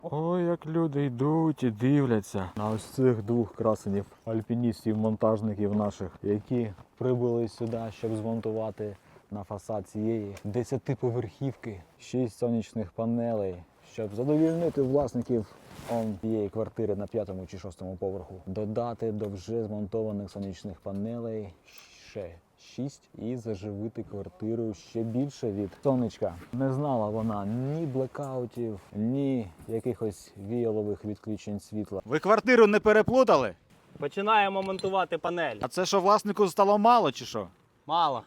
Ой, як люди йдуть і дивляться на ось цих двох красенів, альпіністів, монтажників наших, які прибули сюди, щоб змонтувати на фасад цієї 10-поверхівки 6 сонячних панелей, щоб задовольнити власників цієї квартири на 5-му чи 6-му поверху. Додати до вже змонтованих сонячних панелей ще 6 і заживити квартиру ще більше від сонечка. Не знала вона ні блекаутів, ні якихось віялових відключень світла. Ви квартиру не переплутали? Починаємо монтувати панель. А це що, власнику стало мало чи що? Мало.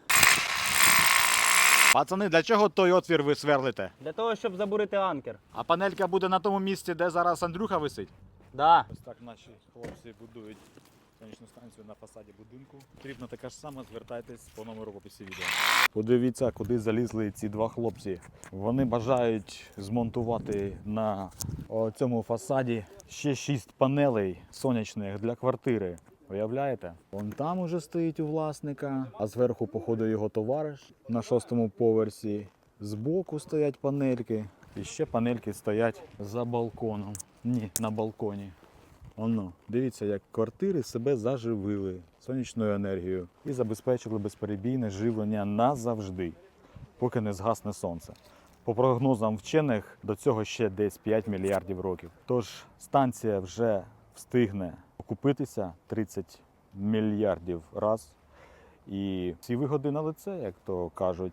Пацани, для чого той отвір ви сверлите? Для того, щоб забурити анкер. А панелька буде на тому місці, де зараз Андрюха висить? Да. Ось так наші хлопці будують сонячну станцію на фасаді будинку. Потрібно така ж сама, звертайтесь по номеру в описі відео. Подивіться, куди залізли ці два хлопці. Вони бажають змонтувати на цьому фасаді ще 6 панелей сонячних для квартири. Уявляєте? Вон там уже стоїть у власника, а зверху, походу, його товариш на 6-му поверсі. Збоку стоять панельки. І ще панельки стоять за балконом. Ні, на балконі. Оно, дивіться, як квартири себе заживили сонячною енергією і забезпечили безперебійне живлення назавжди, поки не згасне сонце. По прогнозам вчених, до цього ще десь 5 мільярдів років. Тож станція вже встигне окупитися 30 мільярдів раз. І всі вигоди на лице, як то кажуть.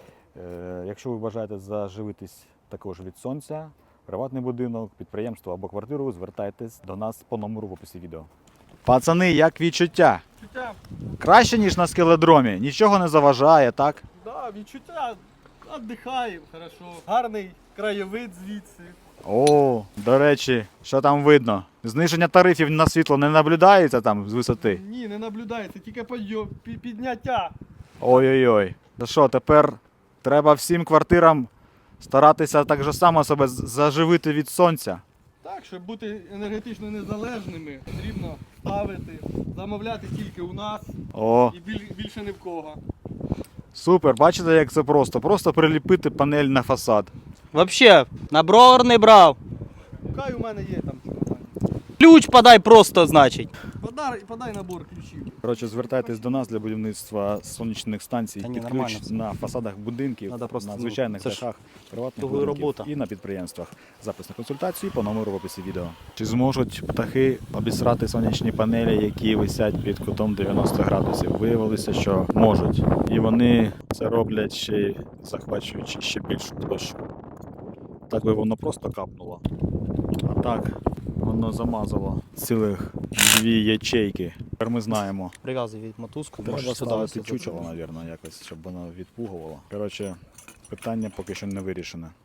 Якщо ви бажаєте заживитись також від сонця, приватний будинок, підприємство або квартиру, звертайтесь до нас по номеру в описі відео. Пацани, як відчуття? Відчуття, Краще, ніж на скеледромі? Нічого не заважає, так? да, відчуття, віддихаємо, хорошо. Гарний краєвид звідси. О, до речі, що там видно? Зниження тарифів на світло не наблюдається там з висоти? Ні, не наблюдається, тільки підняття. Ой-ой-ой. Та що, тепер треба всім квартирам старатися так же само себе заживити від сонця? Так, щоб бути енергетично незалежними, потрібно ставити, замовляти тільки у нас О, і більше ні в кого. супер, бачите, як це просто? Просто приліпити панель на фасад. Вообще, на бровар не брав. Хай у мене є там. Ключ подай просто, значить. Подай набор ключів. Коротше, звертайтесь до нас для будівництва сонячних станцій Та ні, під нормально ключ все. на фасадах будинків, Надо просто, на ну, звичайних це ж дахах, приватних довга будинків робота. і на підприємствах. Запис на консультації по номеру в описі відео. Чи зможуть птахи обісрати сонячні панелі, які висять під кутом 90 градусів? Виявилося, що можуть. І вони це роблять ще й захвачуючи ще більшу площу. Так би воно просто капнуло. А так воно замазало цілих 2 ячейки. Тепер ми знаємо. Прив'язуй від мотузку. Треба можеш ставити сюди чучело, мабуть, якось, щоб воно відпугувало. Коротше, питання поки що не вирішене.